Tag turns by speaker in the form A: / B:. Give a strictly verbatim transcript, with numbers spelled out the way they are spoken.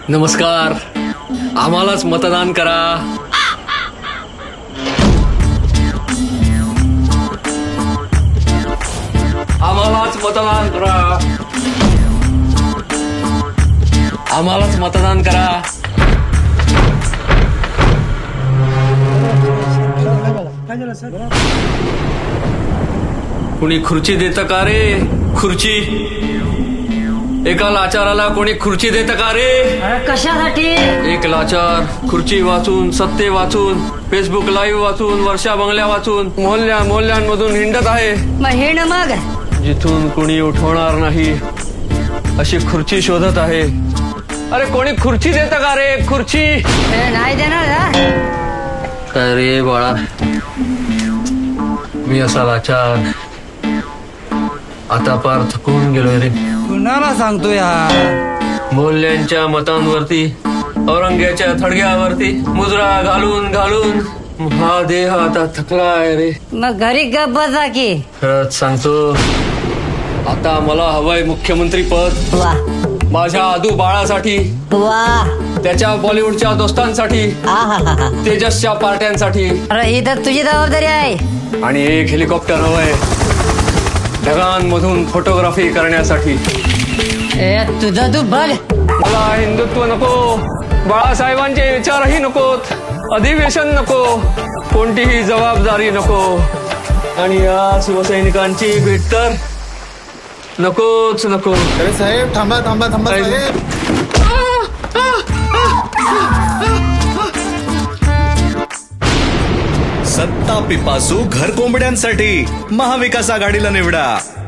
A: नमस्कार, आम्हालाच मतदान करा. आम्हालाच मतदान करा. आम्हालाच मतदान करा. कुणी खुर्ची देतं का रे? खुर्ची एका लाचाराला कोणी खुर्ची देतं का रे?
B: कशासाठी?
A: एक लाचार खुर्ची वाचून, सत्ते वाचून, फेसबुक लाईव्ह वाचून, वर्षा बंगल्या वाचून, मोहल्ल्या मोहल्ल्यांमधून हिंडत आहे.
B: मग हे न मग
A: जिथून कोणी उठवणार नाही अशी खुर्ची शोधत आहे. अरे कोणी खुर्ची देतं का रे? खुर्ची
B: हे नाही देणार ना?
A: काय रे बाळा, मी असा लाचार आता पार थकून गेलोय रे.
C: कुणाला सांगतो यार?
A: मोहल्ल्यांच्या मतांवरती, औरंग्याच्या थडग्यावरती मुजरा घालून घालून हा देह आता थकलाय रे.
B: मग घरी गप बसा की.
A: खरंच सांगतो, आता मला हवंय मुख्यमंत्री पद.
B: वा
A: माझ्या आदू बाळासाठी,
B: वा.
A: त्याच्या बॉलिवूडच्या दोस्तांसाठी,
B: आहाहाहा.
A: तेजसच्या पार्ट्यांसाठी,
B: अरे ही तर तुझी जबाबदारी आहे.
A: आणि एक हेलिकॉप्टर हवंय ढगांमधून फोटोग्राफी करण्यासाठी.
B: ए तुझं तू बघ.
A: मला हिंदुत्व नको, बाळासाहेबांचे विचारही नकोत, अधिवेशन नको, कोणतीही जबाबदारी नको, आणि या शिवसैनिकांची भेट तर नकोच नको.
D: अरे साहेब थांबा थांबा थांबा साहेब.
E: सत्ता पिपासू घर कोंबड्यांसाठी महाविकास आघाडीला निवडा.